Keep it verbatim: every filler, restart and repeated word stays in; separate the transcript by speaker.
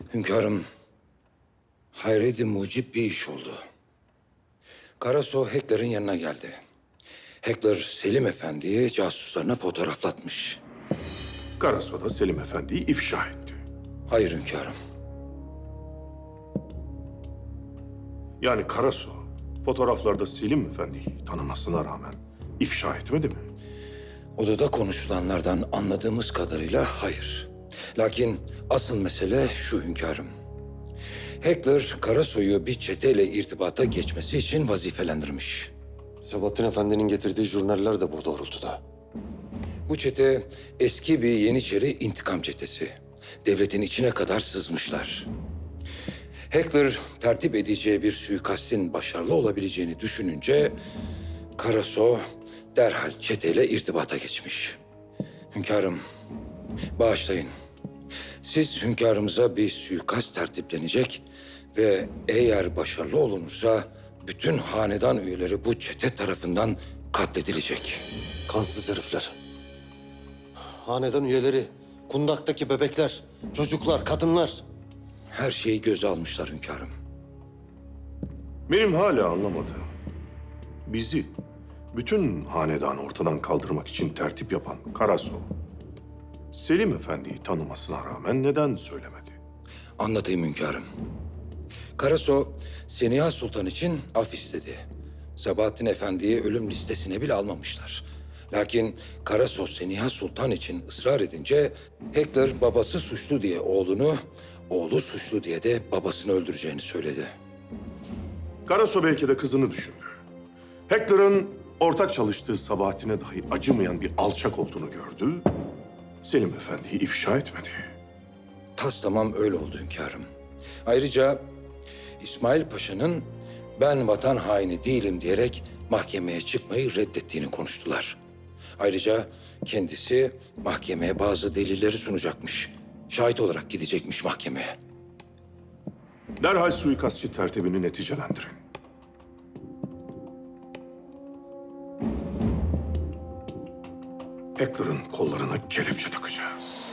Speaker 1: Hünkârım, hayredi mucib bir iş oldu. Karaso Hekler'in yanına geldi. Hekler Selim Efendi'yi casuslarına fotoğraflatmış.
Speaker 2: Karaso da Selim Efendi'yi ifşa etti.
Speaker 1: Hayır hünkârım.
Speaker 2: Yani Karaso fotoğraflarda Selim Efendi'yi tanımasına rağmen ifşa etmedi mi?
Speaker 1: Odada konuşulanlardan anladığımız kadarıyla hayır. Lakin asıl mesele şu hünkârım. Hekler, Karasoy'u bir çeteyle irtibata geçmesi için vazifelendirmiş.
Speaker 3: Sabahattin Efendi'nin getirdiği jurnaller de bu doğrultuda.
Speaker 1: Bu çete eski bir Yeniçeri intikam çetesi. Devletin içine kadar sızmışlar. Hekler tertip edeceği bir suikastin başarılı olabileceğini düşününce Karaso derhal çeteyle irtibata geçmiş. Hünkârım, bağışlayın. Siz hünkârımıza bir suikast tertiplenecek ve eğer başarılı olunursa bütün hanedan üyeleri bu çete tarafından katledilecek.
Speaker 3: Kansız herifler. Hanedan üyeleri, kundaktaki bebekler, çocuklar, kadınlar.
Speaker 1: Her şeyi göze almışlar hünkârım.
Speaker 2: Benim hala anlamadığım, bizi bütün hanedanı ortadan kaldırmak için tertip yapan Karaso, Selim Efendi'yi tanımasına rağmen neden söylemedi?
Speaker 1: Anlatayım hünkârım. Karaso, Seniha Sultan için af istedi. Sabahattin Efendi'yi ölüm listesine bile almamışlar. Lakin Karaso Seniha Sultan için ısrar edince Hekler babası suçlu diye oğlunu, oğlu suçlu diye de babasını öldüreceğini söyledi.
Speaker 2: Karaso belki de kızını düşündü. Hekler'ın ortak çalıştığı Sabahattin'e dahi acımayan bir alçak olduğunu gördü. Selim Efendi'yi ifşa etmedi.
Speaker 1: Tas tamam öyle oldu hünkârım. Ayrıca İsmail Paşa'nın ben vatan haini değilim diyerek mahkemeye çıkmayı reddettiğini konuştular. Ayrıca kendisi mahkemeye bazı delilleri sunacakmış. Şahit olarak gidecekmiş mahkemeye.
Speaker 2: Derhal suikastçı tertibini neticelendirin. Hekler'ın kollarına kelepçe takacağız.